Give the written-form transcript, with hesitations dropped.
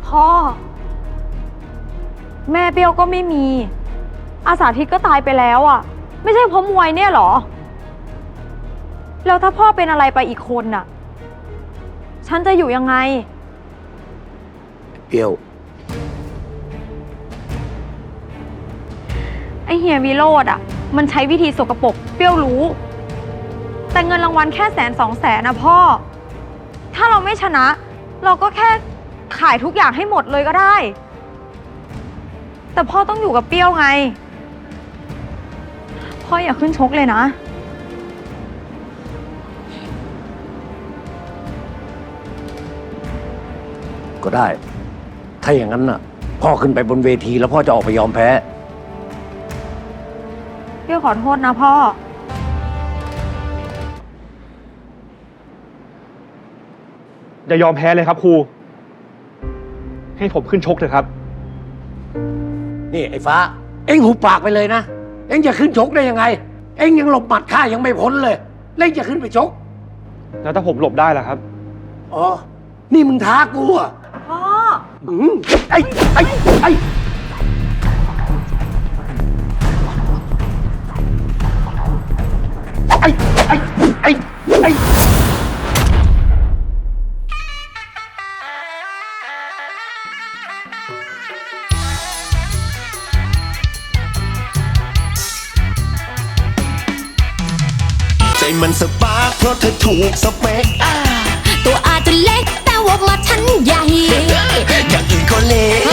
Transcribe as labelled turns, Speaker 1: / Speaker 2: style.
Speaker 1: พ่อแม่เปรี้ยวก็ไม่มีอาสาทิตก็ตายไปแล้วอ่ะไม่ใช่เพราะมวยเนี่ยหรอแล้วถ้าพ่อเป็นอะไรไปอีกคนน่ะฉันจะอยู่ยังไง
Speaker 2: เปรี้ยว
Speaker 1: ไอเฮียวิโรจน์อ่ะมันใช้วิธีสกปรกเปรี้ยวรู้แต่เงินรางวัลแค่100,000-200,000นะพ่อถ้าเราไม่ชนะเราก็แค่ขายทุกอย่างให้หมดเลยก็ได้แต่พ่อต้องอยู่กับเปรี้ยวไงพ่ออย่าขึ้นชกเลยนะ
Speaker 2: ก็ได้ถ้าอย่างนั้นน่ะพ่อขึ้นไปบนเวทีแล้วพ่อจะออกไปยอมแพ้
Speaker 1: เปรี้ยวขอโทษนะพ่อ
Speaker 3: อย่ายอมแพ้เลยครับครูให้ผมขึ้นชกเถอะครับ
Speaker 2: นี่ไอ้ฟ้าเอ็งหุบปากไปเลยนะเอ็งจะขึ้นชกได้ยังไงเอ็งยังหลบหมัดข้ายังไม่พ้นเลยเล่งจะขึ้นไปชก
Speaker 3: แล้วถ้าผมหลบได้ล่ะครับ
Speaker 2: อ๋อนี่มึงท้ากูอ่ะ
Speaker 1: พ่อ
Speaker 2: ไอ้ไอ้ไอ้ไอ้ไอ้ไอ้ไอ้
Speaker 4: ใจมันสปาร์คเพราะเธอถูกสเปค
Speaker 5: ตัวอาจจะเล็กแต่ว่ามาชั้นใหญ่
Speaker 4: อย่างอื่นก็เล็ก